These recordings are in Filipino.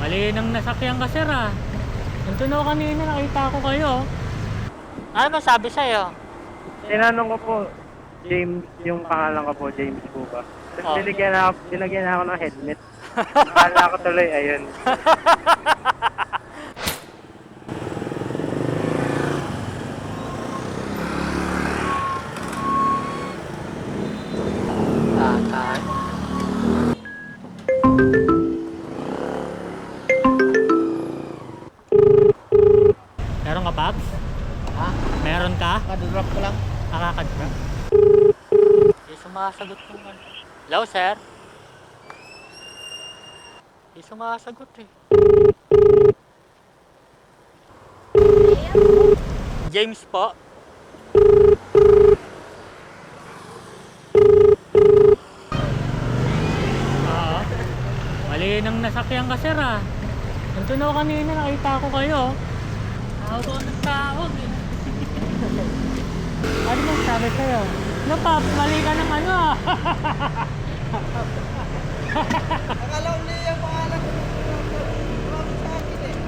Mali nang nasakyan ka, sir, ah. Nandun ako kanina, nakita ko kayo. Ano ba sabi sa'yo? Tinanong ko po, James, yung pangalan ko po, James po ba? Tapos Oh. binigyan ako ng helmet. Akala ko tuloy, ayun. Tatay. Meron ka, Paps? Ha? Meron ka? Kadrop ko lang. Nakakadra? Hindi sumasagot yung ano. Hello, sir? Hindi sumasagot eh. James po. Oo. Mali nang nasakyan ka, sir, ah. Nandun ako kanina, nakita ko kayo. Tawag ako ng tawag eh. Ano bang sabi sa'yo? No, Paps, mali ka ng ano, ah. Akala ko niya yung pangalan ko. Tumawag sa akin eh.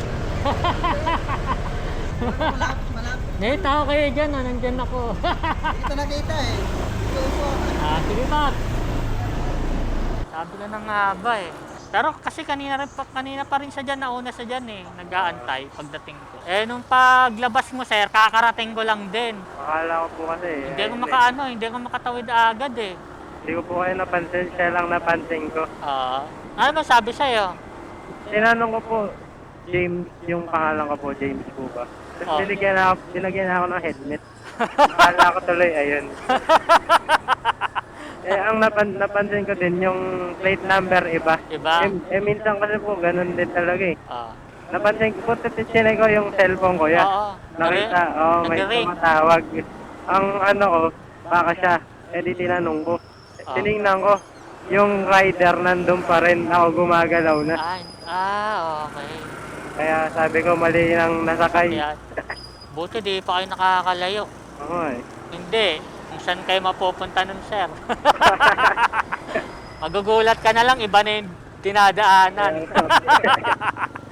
Malapit. Nakita ko kayo dyan, ah. Nandyan ako. Dito nakita eh. Ito po. Sige, Paps. Sabi ka na nga ba eh. Pero kasi kanina pa rin siya dyan, nauna siya dyan eh. Nag-aantay pagdating ko. Eh, nung paglabas mo, sir, kakarating ko lang din. Akala ko po kasi, Hindi ko ayun hindi ko makatawid agad eh. Hindi ko po kayo napansin, siya lang napansin ko. Ano ba sabi sa'yo? Tinanong ko po, James, yung pangalan ko po, James po ba? Tapos Oh. binigyan ako ng helmet. Akala ko tuloy, ayun. Ang napansin ko din, yung plate number iba. Iba? Minsan kasi po, ganun din talaga eh. Ah. Napansin ko po, titinay ko yung cellphone ko yan. Oo. Nakita, may Nag-ring. tumatawag. Ang ano ko, baka siya. Di tinanong ko. Tinignan ko, yung rider nandun pa rin, ako gumagalaw na. Okay. Kaya sabi ko, mali nang nasakay. Yan. Buti di pa kayo nakakalayo. Oo eh. Hindi. Kung saan kayo mapupunta nun, sir? Magugulat ka na lang, iba na yung dinadaanan.